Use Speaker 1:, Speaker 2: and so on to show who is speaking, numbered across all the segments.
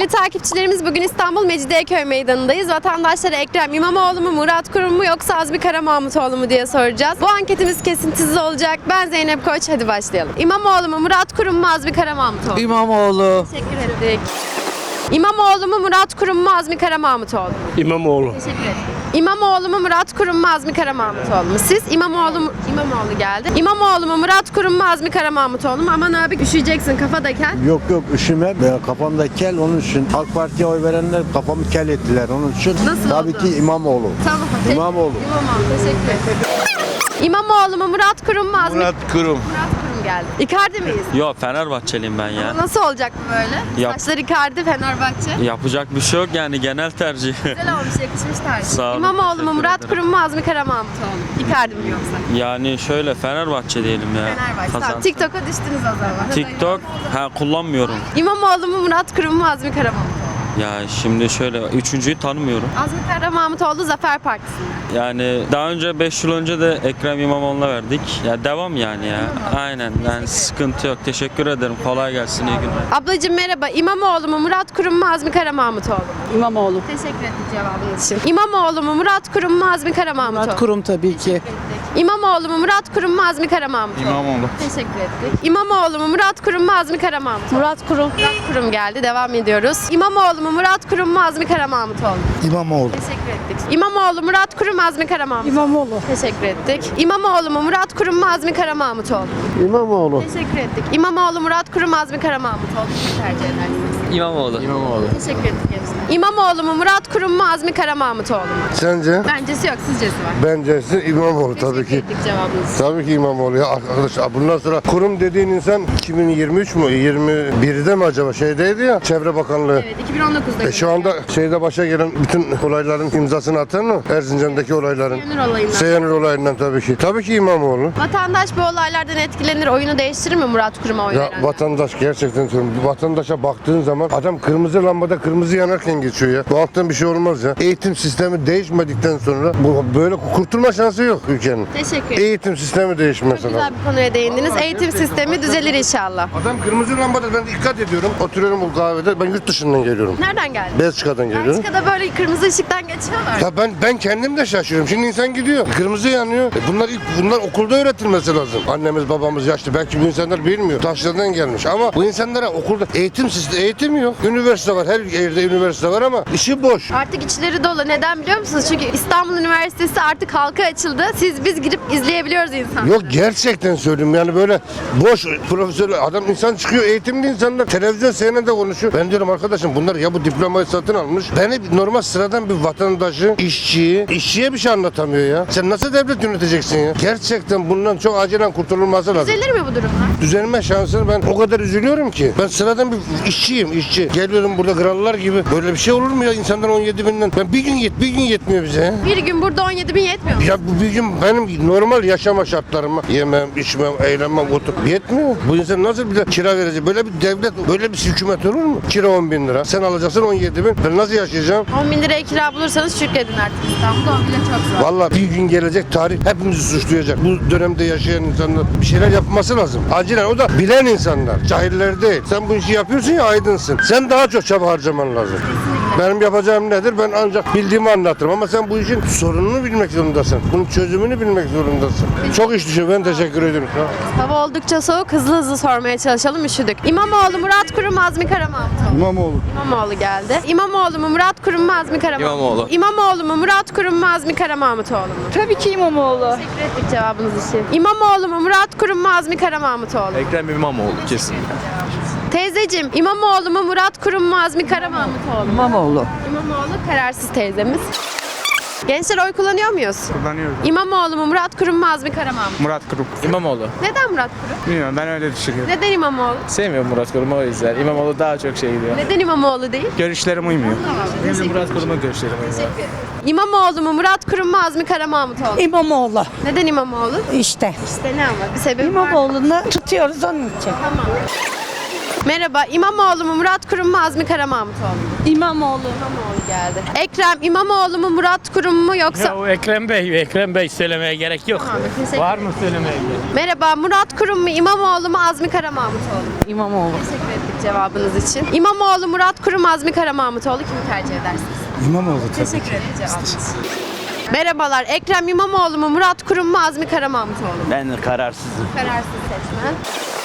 Speaker 1: Sevgili takipçilerimiz, bugün İstanbul Mecidiyeköy Meydanı'ndayız. Vatandaşlara Ekrem İmamoğlu mu, Murat Kurum mu yoksa Azmi Kara Mahmutoğlu mu diye soracağız. Bu anketimiz kesintisiz olacak. Ben Zeynep Koç, hadi başlayalım. İmamoğlu mu, Murat Kurum mu, Azmi Kara Mahmutoğlu mu?
Speaker 2: İmamoğlu.
Speaker 1: Teşekkür ettik. İmamoğlu mu, Murat Kurum mu, Azmi Kara Mahmutoğlu mu?
Speaker 3: İmamoğlu.
Speaker 1: Teşekkür ederim. İmamoğlu mu, Murat Kurum mu, Azmi Kara Mahmutoğlu mu? Siz İmamoğlu mu? İmamoğlu geldi. İmamoğlu mu, Murat Kurum mu, Azmi Kara Mahmutoğlu mu? Aman abi, üşüyeceksin, kafada kel.
Speaker 4: Yok üşüme. Kafamda kel, onun için. AK Parti'ye oy verenler kafamı kel ettiler, onun için.
Speaker 1: Nasıl
Speaker 4: Tabii
Speaker 1: oldu?
Speaker 4: ki İmamoğlu.
Speaker 1: Tamam.
Speaker 4: İmamoğlu.
Speaker 1: İmamoğlu, teşekkür ederim. İmamoğlu mu, Murat Kurum mu, Azmi?
Speaker 3: Murat Kurum.
Speaker 1: Murat Kurum geldi. Icardi miyiz?
Speaker 5: Yok, Fenerbahçeliyim ben ya.
Speaker 1: Nasıl olacak bu böyle?
Speaker 5: Yap.
Speaker 1: Saçlar Icardi, Fenerbahçe.
Speaker 5: Yapacak bir şey yok yani, genel tercih.
Speaker 1: Güzel olmuş, yakışmış tercih.
Speaker 5: Sağ olun,
Speaker 1: İmamoğlu mu,
Speaker 5: teşekkür
Speaker 1: Murat
Speaker 5: ederim.
Speaker 1: Kurum mu, Azmi Kara Mahmutoğlu mu? Icardi mi yoksa?
Speaker 5: Yani şöyle, Fenerbahçe diyelim ya.
Speaker 1: Fenerbahçe. Tamam,
Speaker 5: Kazansın.
Speaker 1: TikTok'a düştünüz o zaman.
Speaker 5: TikTok kullanmıyorum.
Speaker 1: İmamoğlu mu, Murat Kurum mu, Azmi Kara Mahmutoğlu mu?
Speaker 5: Ya şimdi şöyle, üçüncüyü tanımıyorum.
Speaker 1: Azmi Kara Mahmutoğlu Zafer Partisi.
Speaker 5: Yani daha önce 5 yıl önce de Ekrem İmamoğlu'na verdik. Ya devam yani ya. Aynen, yani sıkıntı yok. Teşekkür ederim. Kolay gelsin, iyi günler.
Speaker 1: Ablacığım merhaba. İmamoğlu mu, Murat Kurum mu, Azmi Kara Mahmutoğlu mu?
Speaker 2: İmamoğlu.
Speaker 1: Teşekkür ettik cevabınız için. İmamoğlu mu, Murat Kurum mu, Azmi Kara Mahmutoğlu mu?
Speaker 2: Murat Kurum tabii ki.
Speaker 1: İmamoğlu mu, Murat Kurum mu, Azmi Kara Mahmutoğlu mu?
Speaker 5: İmamoğlu.
Speaker 1: Teşekkür ettik. İmamoğlu mu, Murat Kurum mu, Azmi Kara Mahmutoğlu mu?
Speaker 2: Murat Kurum.
Speaker 1: Murat Kurum geldi. Devam ediyoruz. İmamoğlu mu, Murat Kurum mu, Azmi Kara Mahmutoğlu mu?
Speaker 4: İmamoğlu.
Speaker 1: Teşekkür ettik. İmamoğlu, Murat Kurum, Azmi Kara Mahmutoğlu mu?
Speaker 2: İmamoğlu.
Speaker 1: Teşekkür ettik. İmamoğlu mu, Murat Kurum mu, Azmi Kara Mahmutoğlu mu?
Speaker 4: İmamoğlu.
Speaker 1: Teşekkür ettik. İmamoğlu, Murat Kurum, Azmi Kara Mahmutoğlu mu tercih edersiniz?
Speaker 5: İmamoğlu.
Speaker 1: Teşekkür ettik gençler. İmamoğlu mu, Murat Kurum mu, Azmi Kara Mahmutoğlu mu?
Speaker 4: Sence?
Speaker 1: Bencesi yok, sizcesi var.
Speaker 4: Bence İmamoğlu tabii
Speaker 1: Teşekkür
Speaker 4: ki.
Speaker 1: ettik cevabınız.
Speaker 4: Tabii ki İmamoğlu ya arkadaş. Bundan sonra kurum dediğin insan 2023 mu 21'de mi acaba şeydeydi ya, Çevre Bakanlığı.
Speaker 1: Evet, 2019'da.
Speaker 4: Şu anda şeyde başa gelen bütün olayların imzasını atan mı? Erzincan'daki olayların.
Speaker 1: Seyhanır olayından.
Speaker 4: Seyhanır olayından tabii ki. Tabii ki İmamoğlu.
Speaker 1: Vatandaş bu olaylardan etkilenir, oyunu değiştirir mi Murat Kurum'a oy
Speaker 4: Ya
Speaker 1: verenler?
Speaker 4: vatandaş gerçekten söylüyorum. Vatandaşa baktığın zaman adam kırmızı lambada kırmızı yanarken geçiyor ya. Bu alttan bir şey olmaz ya. Eğitim sistemi değişmedikten sonra bu böyle kurtulma şansı yok ülkenin.
Speaker 1: Teşekkür ederim.
Speaker 4: Eğitim sistemi değişmesi
Speaker 1: Güzel
Speaker 4: lazım.
Speaker 1: bir konuya değindiniz. Eğitim sistemi düzelir inşallah.
Speaker 4: Adam kırmızı lambada ben dikkat ediyorum. Oturuyorum bu kahvede. Ben yurt dışından geliyorum.
Speaker 1: Nereden geldin?
Speaker 4: Belçika'dan geliyorum.
Speaker 1: Belçika'da böyle kırmızı ışıktan geçiyorlar.
Speaker 4: Ya ben kendim de şaşırıyorum. Şimdi insan gidiyor. Kırmızı yanıyor. Bunlar okulda öğretilmesi lazım. Annemiz babamız yaşlı. Belki bu insanlar bilmiyor. Taşlardan gelmiş. Ama bu insanlara okulda eğitim yok. Üniversite var. Her yerde üniversite var ama işi boş.
Speaker 1: Artık içleri dolu. Neden biliyor musunuz? Çünkü İstanbul Üniversitesi artık halka açıldı. Biz girip izleyebiliyoruz insanları.
Speaker 4: Yok gerçekten söylüyorum yani böyle boş profesör adam insan çıkıyor eğitimli insanlar televizyon seyrede konuşuyor. Ben diyorum arkadaşım bunlar ya bu diplomayı satın almış. Beni normal sıradan bir vatandaşı, işçiye bir şey anlatamıyor ya. Sen nasıl devlet yöneteceksin ya? Gerçekten bundan çok acilen kurtululması lazım.
Speaker 1: Düzelir mi bu durumlar?
Speaker 4: Düzelme şansını ben o kadar üzülüyorum ki. Ben sıradan bir işçi. Geliyorum burada krallar gibi. Böyle bir şey olur mu ya insanlar 17 binden? Ben bir gün yetmiyor bize ya.
Speaker 1: Bir gün burada 17 bin yetmiyor mu?
Speaker 4: Ya bu bir gün benim normal yaşama şartlarıma yemem, içmem, eğlenmem, oturup yetmiyor. Bu insan nasıl bir de kira verecek? Böyle bir devlet, böyle bir hükümet olur mu? Kira 10 bin lira. Sen alacaksın 17 bin. Ben nasıl yaşayacağım?
Speaker 1: 10 bin liraya kira bulursanız şükredin artık İstanbul'da. 10 bile çok zor.
Speaker 4: Vallahi bir gün gelecek tarih hepimizi suçlayacak. Bu dönemde yaşayan insanlar bir şeyler yapması lazım. Acilen o da bilen insanlar. Cahiller değil. Sen bu işi yapıyorsun ya aydınsın. Sen daha çok çaba harcaman lazım. Benim yapacağım nedir? Ben ancak bildiğimi anlatırım ama sen bu işin sorununu bilmek zorundasın. Bunun çözümünü bilmek zorundasın. Çok iş düşün. Ben teşekkür ederim.
Speaker 1: Hava oldukça soğuk. Hızlı sormaya çalışalım. Üşüdük. İmamoğlu, Murat Kurum, Azmi Kara Mahmutoğlu.
Speaker 4: İmamoğlu.
Speaker 1: İmamoğlu geldi. İmamoğlu mu, Murat Kurum mu, Azmi Kara Mahmutoğlu mu?
Speaker 5: İmamoğlu.
Speaker 1: İmamoğlu mu, Murat Kurum mu, Azmi Kara Mahmutoğlu mu?
Speaker 2: Tabii ki İmamoğlu.
Speaker 1: Teşekkür ettik cevabınız için. İmamoğlu mu, Murat Kurum mu, Azmi Kara Mahmutoğlu mu?
Speaker 5: Ekrem İmamoğlu kesin.
Speaker 1: Teyzeciğim, İmamoğlu mu, Murat Kurum mu, Azmi Kara Mahmutoğlu mu?
Speaker 2: İmamoğlu.
Speaker 1: İmamoğlu kararsız teyzemiz. Gençler oy kullanıyor muyuz?
Speaker 3: Kullanıyorum.
Speaker 1: İmamoğlu mu, Murat Kurum mu, Azmi Kara Mahmutoğlu mu?
Speaker 3: Murat Kurum. İmamoğlu.
Speaker 1: Neden Murat Kurum?
Speaker 3: Bilmiyorum ben öyle düşünüyorum.
Speaker 1: Neden İmamoğlu?
Speaker 3: Sevmiyorum Murat Kurum'u o yüzden. İmamoğlu daha çok şey diyor.
Speaker 1: Neden İmamoğlu değil?
Speaker 3: Görüşlerim uymuyor. Benim de Murat Kurum'a görüşlerim uymuyor.
Speaker 1: İmamoğlu mu, Murat Kurum mu, Azmi Kara Mahmutoğlu mu?
Speaker 2: İmamoğlu.
Speaker 1: Neden İmamoğlu?
Speaker 2: İşte.
Speaker 1: İşte ne ama bir sebebi var.
Speaker 2: İmamoğlu'nu tutuyoruz onun için.
Speaker 1: Tamam. Merhaba, İmamoğlu mu, Murat Kurum mu, Azmi Kara Mahmutoğlu mu?
Speaker 2: İmamoğlu.
Speaker 1: İmamoğlu geldi. Ekrem İmamoğlu mu, Murat Kurum mu yoksa...
Speaker 6: Ya o Ekrem Bey söylemeye gerek yok.
Speaker 1: Tamam, teşekkür
Speaker 6: Var mı söylemeye gerek?
Speaker 1: Merhaba, Murat Kurum mu, İmamoğlu mu, Azmi Kara Mahmutoğlu mu?
Speaker 2: İmamoğlu.
Speaker 1: Teşekkür ettik cevabınız için. İmamoğlu, Murat Kurum, Azmi Kara Mahmutoğlu kimi tercih edersiniz?
Speaker 3: İmamoğlu
Speaker 1: Teşekkür ettik cevabınız için. Merhabalar, Ekrem İmamoğlu mu, Murat Kurum mu, Azmi Kara Mahmutoğlu mu?
Speaker 7: Ben kararsızım.
Speaker 1: Kararsız seçmen.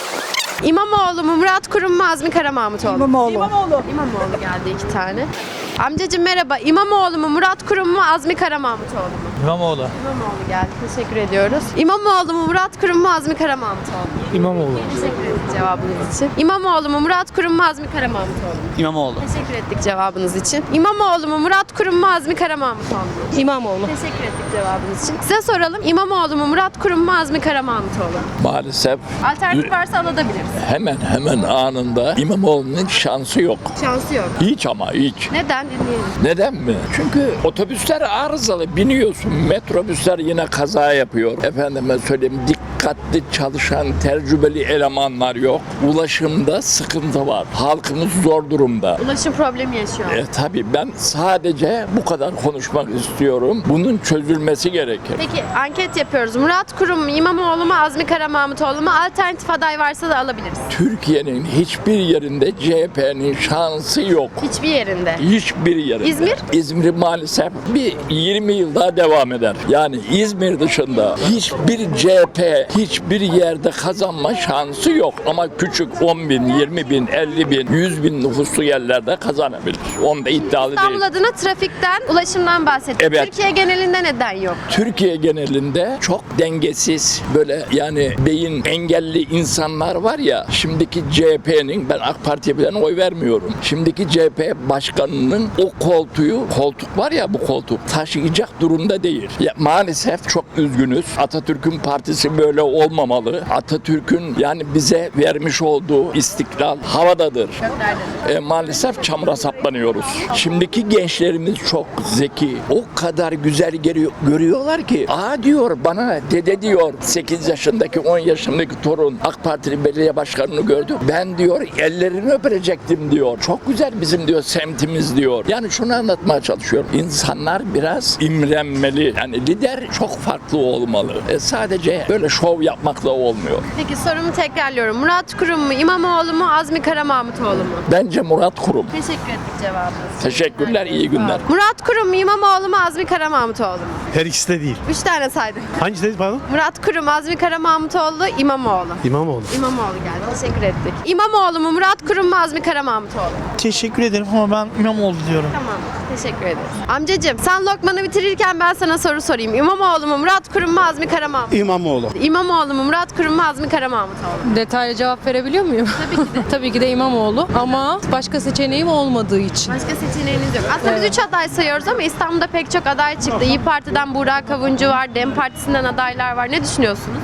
Speaker 1: İmamoğlu mu, Murat Kurum mu, Azmi Kara Mahmutoğlu mu?
Speaker 2: İmamoğlu.
Speaker 1: İmamoğlu geldi 2 tane. Amcacığım merhaba, İmamoğlu mu, Murat Kurum mu, Azmi Kara Mahmutoğlu mu?
Speaker 6: İmamoğlu.
Speaker 1: İmamoğlu geldi, teşekkür ediyoruz. İmamoğlu mu, Murat Kurum mu, Azmi Kara Mahmutoğlu mu?
Speaker 6: İmamoğlu.
Speaker 1: Teşekkür ettik cevabınız için. İmamoğlu mu, Murat Kurum mu, Azmi Kara Mahmutoğlu mu?
Speaker 7: İmamoğlu.
Speaker 1: Teşekkür ettik cevabınız için. İmamoğlu mu, Murat Kurum mu, Azmi Kara Mahmutoğlu mu?
Speaker 2: İmamoğlu.
Speaker 1: Teşekkür ettik cevabınız için. Size soralım, İmamoğlu mu, Murat Kurum mu, Azmi Kara Mahmutoğlu mu?
Speaker 8: Maalesef
Speaker 1: Alternatif varsa alabiliriz.
Speaker 8: hemen anında İmamoğlu'nun şansı yok.
Speaker 1: Şansı yok.
Speaker 8: Hiç ama hiç.
Speaker 1: Neden dinleyelim?
Speaker 8: Neden mi? Çünkü otobüsler arızalı, biniyorsun. Metrobüsler yine kaza yapıyor. Efendime söyleyeyim, dikkatli çalışan tecrübeli elemanlar yok. Ulaşımda sıkıntı var. Halkımız zor durumda.
Speaker 1: Ulaşım problemi yaşıyor.
Speaker 8: Tabii ben sadece bu kadar konuşmak istiyorum. Bunun çözülmesi gerekir.
Speaker 1: Peki anket yapıyoruz. Murat Kurum mu, İmamoğlu mu, Azmi Kara Mahmutoğlu mu? Alternatif aday varsa da alabiliriz.
Speaker 8: Türkiye'nin hiçbir yerinde CHP'nin şansı yok.
Speaker 1: Hiçbir yerinde.
Speaker 8: Hiçbir yerinde.
Speaker 1: İzmir?
Speaker 8: İzmir maalesef bir 20 yıl daha devam eder. Yani İzmir dışında hiçbir CHP hiçbir yerde kazanma şansı yok. Ama küçük 10 bin, 20 bin, 50 bin, 100 bin nüfuslu yerlerde kazanabilir. Onda iddialı
Speaker 1: İstanbul
Speaker 8: değil.
Speaker 1: adına trafikten, ulaşımdan bahsettik.
Speaker 8: Evet.
Speaker 1: Türkiye genelinde neden yok?
Speaker 8: Türkiye genelinde çok dengesiz böyle yani beyin engelli insanlar var ya, şimdiki CHP'nin, ben AK Parti'ye falan oy vermiyorum. Şimdiki CHP başkanının o koltuk var ya, bu koltuk taşıyacak durumda değil. Ya, maalesef çok üzgünüz. Atatürk'ün partisi böyle olmamalı. Atatürk'ün yani bize vermiş olduğu istiklal havadadır. Maalesef çamura saplanıyoruz. Şimdiki gençlerimiz çok zeki. O kadar güzel görüyorlar ki. Diyor bana, dede diyor, 8 yaşındaki 10 yaşındaki torun AK Partili belediye başkanını gördü. Ben diyor ellerini öpecektim diyor. Çok güzel bizim diyor semtimiz diyor. Yani şunu anlatmaya çalışıyorum. İnsanlar biraz imrenmeli. Yani lider çok farklı olmalı. Sadece böyle şov yapmakla olmuyor.
Speaker 1: Peki sorumu tekrarlıyorum. Murat Kurum mu, İmamoğlu mu, Azmi Kara Mahmutoğlu mu?
Speaker 8: Bence Murat Kurum.
Speaker 1: Teşekkür ettik cevabınız.
Speaker 8: Teşekkürler, iyi günler.
Speaker 1: Murat Kurum mu, İmamoğlu mu, Azmi Kara Mahmutoğlu mu?
Speaker 9: Her ikisi de değil.
Speaker 1: 3 tane saydım.
Speaker 9: Hangisi dedi pardon?
Speaker 1: Murat Kurum, Azmi Kara Mahmutoğlu, İmamoğlu.
Speaker 9: İmamoğlu.
Speaker 1: İmamoğlu geldi. Teşekkür ettik. İmamoğlu mu, Murat Kurum mu, Azmi Kara Mahmutoğlu mu?
Speaker 6: Teşekkür ederim ama ben İmamoğlu diyorum.
Speaker 1: Tamam. Teşekkür ederiz. Amcacığım sen lokmanı bitirirken ben sana soru sorayım. İmamoğlu mu, Murat Kurum mu, Azmi Kara Mahmutoğlu mu?
Speaker 9: İmamoğlu.
Speaker 1: İmamoğlu mu, Murat Kurum mu, Azmi Kara Mahmutoğlu mu?
Speaker 2: Detaylı cevap verebiliyor muyum? Tabii ki de. Tabii ki de İmamoğlu ama başka seçeneğim olmadığı için.
Speaker 1: Başka seçeneğiniz yok. Aslında biz 3 aday sayıyoruz ama İstanbul'da pek çok aday çıktı. İYİ Parti'den Burak Kavuncu var, DEM Partisi'nden adaylar var. Ne düşünüyorsunuz?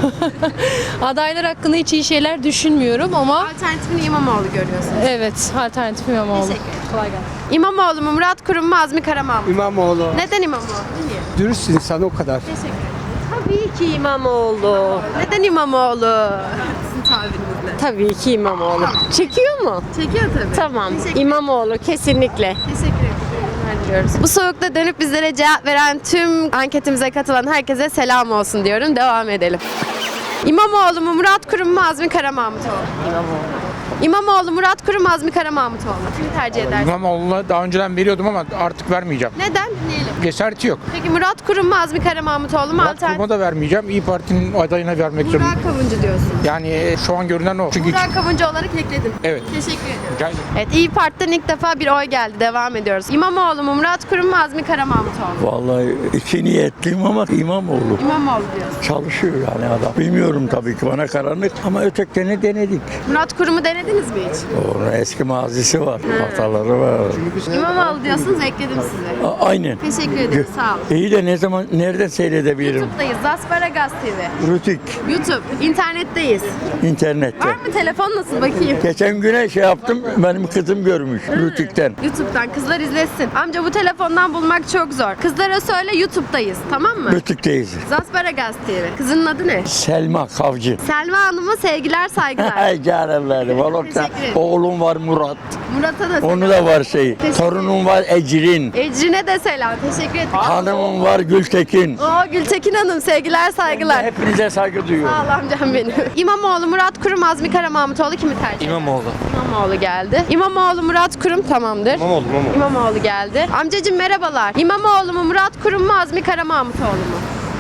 Speaker 2: Adaylar hakkında hiç iyi şeyler düşünmüyorum ama
Speaker 1: Alternatifini İmamoğlu görüyorsunuz.
Speaker 2: evet, alternatif İmamoğlu.
Speaker 1: Teşekkür ederim.
Speaker 2: Kolay gelsin.
Speaker 1: İmamoğlu mu, Murat Kurum mu, Azmi Kara Mahmutoğlu mu?
Speaker 10: İmamoğlu.
Speaker 1: Neden İmamoğlu? Niye?
Speaker 10: Dürüst insan o kadar.
Speaker 1: Teşekkür ederim.
Speaker 11: Tabii ki İmamoğlu.
Speaker 1: Neden İmamoğlu? Sizin tabirinizle.
Speaker 11: Tabii ki İmamoğlu. Çekiyor mu?
Speaker 1: Çekiyor tabii.
Speaker 11: Tamam.
Speaker 1: Teşekkür
Speaker 11: İmamoğlu kesinlikle.
Speaker 1: Teşekkür ederim. Bu soğukta dönüp bizlere cevap veren tüm anketimize katılan herkese selam olsun diyorum. Devam edelim. İmamoğlu mu, Murat Kurum mu, Azmi Kara Mahmutoğlu mu? İmamoğlu, Murat Kurum, Azmi Kara Mahmutoğlu mu? Kimi tercih edersin?
Speaker 3: İmamoğlu'na daha önceden veriyordum ama artık vermeyeceğim.
Speaker 1: Neden? Dinleyelim.
Speaker 3: Cesareti yok.
Speaker 1: Peki Murat Kurum mu, Azmi Kara Mahmutoğlu mu?
Speaker 3: Murat Kurum'a da vermeyeceğim. İYİ Parti'nin adayına vermek zorundayım.
Speaker 1: Burak Kavuncu diyorsun.
Speaker 3: Yani şu an görünen o. Çünkü
Speaker 1: Burak Kavuncu olarak ekledim.
Speaker 3: evet.
Speaker 1: Teşekkür ediyorum.
Speaker 3: Rica ederim.
Speaker 1: Evet, İYİ Parti'den ilk defa bir oy geldi. Devam ediyoruz. İmamoğlu mu, Murat Kurum mu, Azmi Kara Mahmutoğlu mu?
Speaker 7: Vallahi iki niyetliyim ama İmamoğlu.
Speaker 1: İmamoğlu diyorsun.
Speaker 7: Çalışıyor yani adam. Bilmiyorum tabii ki, bana karanlık ama öteklerini denedik.
Speaker 1: Murat Kurum'u denediniz mi hiç?
Speaker 7: Onun eski mazisi var, hataları var.
Speaker 1: İmamoğlu diyorsunuz, ekledim size.
Speaker 7: Aynen.
Speaker 1: Teşekkür ederim, sağ olun.
Speaker 7: İyi de ne zaman, nerede seyredebilirim?
Speaker 1: YouTube'dayız, Zasparagaz TV.
Speaker 7: Rütük,
Speaker 1: YouTube, internetteyiz.
Speaker 7: internette.
Speaker 1: Var mı telefon, nasıl bakayım?
Speaker 7: Geçen güne şey yaptım, benim kızım görmüş Rütük'ten.
Speaker 1: YouTube'dan, kızlar izlesin. Amca bu telefondan bulmak çok zor. Kızlara söyle YouTube'dayız, tamam mı?
Speaker 7: Rütük'teyiz.
Speaker 1: Zasparagaz TV. Kızının adı ne?
Speaker 7: Selma Kavcı.
Speaker 1: Selma Hanım'a sevgiler, saygılar.
Speaker 7: Ay canım benim. sağlık.
Speaker 1: Teşekkür ederim.
Speaker 7: Oğlum var Murat.
Speaker 1: Murat'a da selam.
Speaker 7: Onu da var şey.
Speaker 1: Teşekkür
Speaker 7: Torunum var Ecrin.
Speaker 1: Ecrin'e de selam. Teşekkür ederim.
Speaker 7: Hanımım var Gültekin.
Speaker 1: Oo Gültekin Hanım sevgiler saygılar.
Speaker 7: Hepinize saygı duyuyorum.
Speaker 1: Sağ ol amcam benim. İmamoğlu, Murat Kurum, Azmi Kara Mahmutoğlu kimi tercih eder?
Speaker 6: İmamoğlu.
Speaker 1: İmamoğlu geldi. İmamoğlu, Murat Kurum tamamdır. İmamoğlu geldi. Amcacığım merhabalar. İmamoğlu mu, Murat Kurum mu, Azmi Kara Mahmutoğlu mu?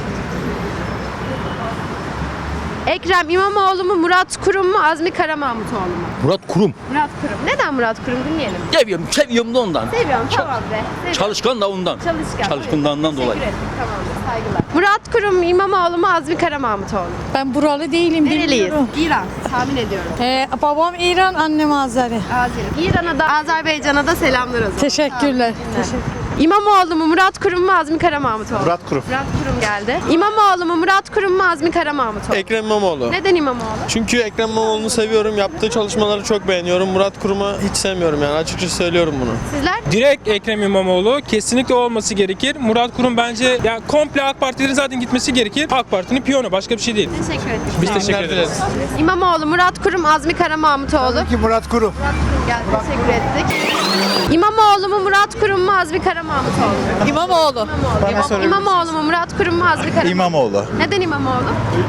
Speaker 1: Ekrem İmamoğlu mu, Murat Kurum mu, Azmi Kara Mahmutoğlu mu?
Speaker 9: Murat Kurum.
Speaker 1: Murat Kurum. Neden Murat Kurum dinleyelim?
Speaker 9: Seviyorum da ondan.
Speaker 1: Seviyorum tamam be. Seviyorum.
Speaker 9: Çalışkan da ondan.
Speaker 1: Çalışkan.
Speaker 9: Çalışkanlığından
Speaker 1: Teşekkür
Speaker 9: dolayı.
Speaker 1: ederim. Tamamdır saygılar. Murat Kurum İmamoğlu mu, Azmi Kara Mahmutoğlu mu?
Speaker 2: Ben buralı değilim.
Speaker 1: Nereliyiz? İran. Tahmin ediyorum.
Speaker 2: Babam İran, annem Azeri.
Speaker 1: Azeri. İran'a da Azerbaycan'a da selamlar o zaman.
Speaker 2: Teşekkürler.
Speaker 1: İmamoğlu mu, Murat Kurum mu, Azmi Kara Mahmutoğlu mu?
Speaker 3: Murat Kurum.
Speaker 1: Murat Kurum geldi. İmamoğlu mu, Murat Kurum mu, Azmi Kara Mahmutoğlu mu?
Speaker 6: Ekrem İmamoğlu.
Speaker 1: Neden İmamoğlu?
Speaker 6: Çünkü Ekrem İmamoğlu'nu seviyorum. Yaptığı çalışmaları çok beğeniyorum. Murat Kurum'u hiç sevmiyorum yani. Açıkçası söylüyorum bunu.
Speaker 1: Sizler?
Speaker 10: Direkt Ekrem İmamoğlu kesinlikle olması gerekir. Murat Kurum bence ya komple AK Partilerin zaten gitmesi gerekir. AK Parti'nin piyonu başka bir şey değil.
Speaker 1: Teşekkür ederim.
Speaker 10: Biz
Speaker 1: Sağ olun.
Speaker 10: teşekkür ederiz.
Speaker 1: İmamoğlu, Murat Kurum, Azmi Kara Mahmutoğlu.
Speaker 3: Ki Murat Kurum.
Speaker 1: Murat Kurum geldi. Teşekkür ettik. İmamoğlu mu, Murat Kurum mu, Azmi Kara Mahmutoğlu mu?
Speaker 2: İmamoğlu.
Speaker 1: İmamoğlu mu, Murat Kurum mu, Azmi Kara
Speaker 12: İmamoğlu.
Speaker 1: Neden İmamoğlu?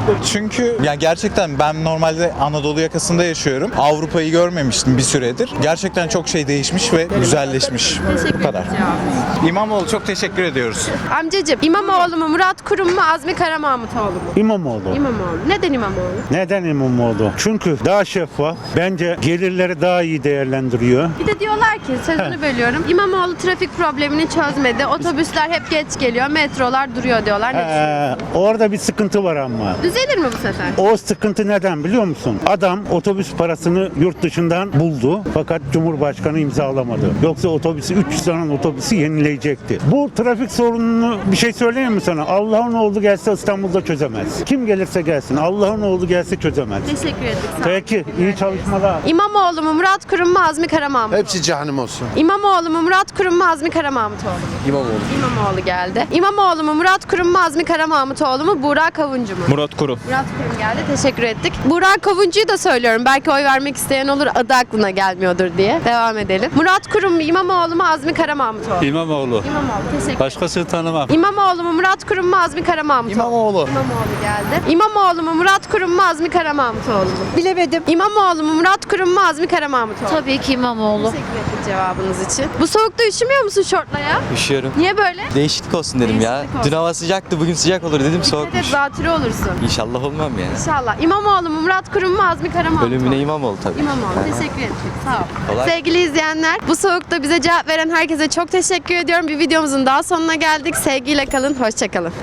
Speaker 12: Çünkü ya gerçekten ben normalde Anadolu yakasında yaşıyorum. Avrupa'yı görmemiştim bir süredir. Gerçekten çok şey değişmiş ve güzelleşmiş.
Speaker 1: Teşekkür
Speaker 12: Bu kadar.
Speaker 1: ederim cevabınız.
Speaker 12: İmamoğlu çok teşekkür ediyoruz.
Speaker 1: Amcacığım İmamoğlu mu, Murat Kurum mu, Azmi Kara Mahmutoğlu mu?
Speaker 13: İmamoğlu.
Speaker 1: İmamoğlu. Neden İmamoğlu?
Speaker 13: Neden İmamoğlu? Çünkü daha şeffaf. Bence gelirleri daha iyi değerlendiriyor.
Speaker 1: Bir de diyorlar ki, sözünü bölüyorum. İmamoğlu trafik problemini çözmedi. Otobüsler hep geç geliyor. Metrolar duruyor diyorlar. Ne düşünüyorsun?
Speaker 13: Orada bir sıkıntı var ama.
Speaker 1: Düzelir mi bu sefer?
Speaker 13: O sıkıntı neden biliyor musun? Adam otobüs parasını yurt dışından buldu fakat Cumhurbaşkanı imzalamadı. Yoksa otobüsü 300 tane otobüsü yenileyecekti. Bu trafik sorununu bir şey söyleyeyim mi sana? Allah'ın oğlu gelse İstanbul'da çözemez. Kim gelirse gelsin Allah'ın oğlu gelse çözemez.
Speaker 1: Teşekkür ederim. Sağ ol.
Speaker 13: Peki iyi çalışmalar.
Speaker 1: İmamoğlu mu, Murat Kurum mu, Azmi Kara Mahmutoğlu mu?
Speaker 4: Hepsi cehennem olsun.
Speaker 1: İmamoğlu mu, Murat Kurum mu, Azmi Kara Mahmutoğlu mu?
Speaker 6: İmamoğlu.
Speaker 1: İmamoğlu geldi. İmamoğlu mu, Murat Kurum mu, Azmi Kara Mahmutoğlu mu, Burak Kavuncu mu?
Speaker 10: Murat Kurum.
Speaker 1: Murat Kurum geldi. Teşekkür ettik. Burak Kavuncu'yu da söylüyorum. Belki oy vermek isteyen olur, adı aklına gelmiyordur diye. Devam edelim. Murat Kurum mu, İmamoğlu mu, Azmi Kara Mahmutoğlu mu?
Speaker 12: İmamoğlu.
Speaker 1: İmamoğlu. Teşekkür ederim.
Speaker 12: Başkasını tanımam.
Speaker 1: İmamoğlu mu, Murat Kurum mu, Azmi Kara Mahmutoğlu mu?
Speaker 6: İmamoğlu.
Speaker 1: İmamoğlu geldi. İmamoğlu mu, Murat Kurum mu, Azmi Kara Mahmutoğlu mu?
Speaker 2: Bilemedim.
Speaker 1: İmamoğlu mu, Murat Kurum mu, Azmi Kara Mahmutoğlu mu?
Speaker 11: Tabii ki İmamoğlu.
Speaker 1: Teşekkür ettik cevabınız için. Bu soğukta üşümüyor musun şortla ya?
Speaker 9: Üşüyorum.
Speaker 1: Niye böyle?
Speaker 9: Değişiklik olsun dedim ya.
Speaker 1: Değişiklik olsun.
Speaker 9: Dün hava sıcaktı, bugün sıcak olur dedim,
Speaker 1: Dikkat et
Speaker 9: soğukmuş.
Speaker 1: zatürre olursun.
Speaker 9: İnşallah olmam ya.
Speaker 1: İnşallah. İmamoğlu mu, Murat Kurum mu, Azmi Kara Mahmutoğlu mu?
Speaker 9: Ölümüne İmamoğlu tabii.
Speaker 1: İmamoğlu. Teşekkür ettik. Sağ ol.
Speaker 9: Kolay.
Speaker 1: Sevgili izleyenler, bu soğukta bize cevap veren herkese çok teşekkür ediyorum. Bir videomuzun daha sonuna geldik. Sevgiyle kalın, hoşça kalın.